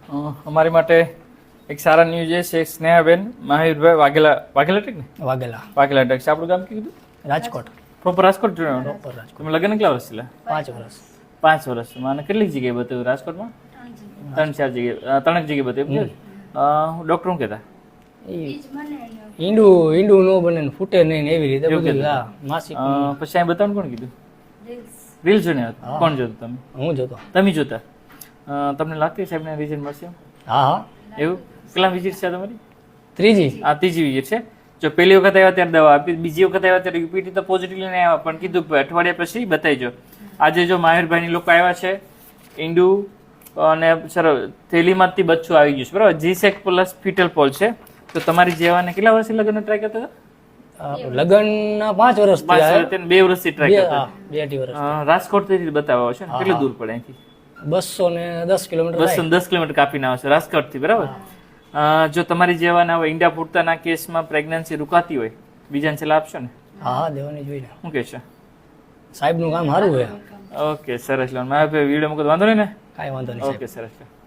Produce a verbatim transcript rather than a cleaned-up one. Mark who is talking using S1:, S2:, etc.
S1: અ, અમારી માટે એક સારા ન્યૂઝ છે સ્નેહાબેન મહાવીરભાઈ વાઘેલા વાઘેલા ટેક ને
S2: વાઘેલા
S1: વાઘેલા ટેક છે આપણું ગામ કીધું
S2: રાજકોટ
S1: પ્રોપર રાજકોટ જોવાનું
S2: પ્રોપર રાજકોટ
S1: તમે લગ્ન કેટલા વર્ષ થયેલા
S2: પાંચ વર્ષ
S1: પાંચ વર્ષ મને કેટલીક જગ્યાએ બતાવ્યું રાજકોટમાં ત્રણ ચાર જગ્યાએ અ, ત્રણેક જગ્યાએ બતાવ્યું ડૉક્ટર શું કહેતા
S2: એ ઈંડું ઈંડું ન બને ને ફૂટે નહીં ને એવી રીતે
S1: એવું
S2: બધું
S1: કીધું.
S2: હા માસિક
S1: અ, પછી અહીં બતાવવાનું કોણ કીધું રીલ જોઈને આવ્યા? કોણ જોતું તમે
S2: હું જોતો
S1: તમે જોતા અ, તમને લાગતી સાહેબને રિઝલ્ટ મળશે
S2: હા હા
S1: એવું કેટલા વિઝિટ છે તમારી
S2: ત્રીજી
S1: આ ત્રીજી વિઝિટ છે જો પહેલી વખત આવ્યા ત્યારે દવા આપી બીજી વખત આવ્યા ત્યારે યુપીટી તો પોઝિટિવ લઈને આવ્યા પણ કીધું કે અઠવાડિયા પછી બતાવીજો આજે જો માહિરભાઈની લોકો આવ્યા છે ઈંડુ અને સર થેલીમાંથી બચ્ચું આવી ગયું છે બરાબર જીસેક પ્લસ ફિટલ પોલ છે તો તમારી જેવાને કેટલા વર્ષથી લગ્ન ટ્રાય કરતા હતા
S2: લગ્ન પાંચ વર્ષ
S1: પાંચ વર્ષ થઈને બે વર્ષથી ટ્રાય કરતા હતા.
S2: બે અઢી વર્ષ
S1: અ, રાજકોટથી બતાવવા છે ને કેટલું દૂર પડે અહીંથી
S2: બસો ને દસ કિલોમીટર
S1: બસો દસ કિલોમીટર કાપીને આવશે રાજકોટથી બરાબર અ, જો તમારી જેવાના હવે ઈંડા ફૂટતાના કેસમાં પ્રેગ્નન્સી રૂકાતી હોય બીજાને સલાહ આપશો ને
S2: હા હા દેવાની જોઈને
S1: શું કહેશો
S2: સાહેબનું કામ સારું છે
S1: ઓકે સરસ લો મારા વિડીયો મૂકો તો વાંધો નહીં ને
S2: કાંઈ વાંધો નહીં સાહેબ
S1: ઓકે સરસ લો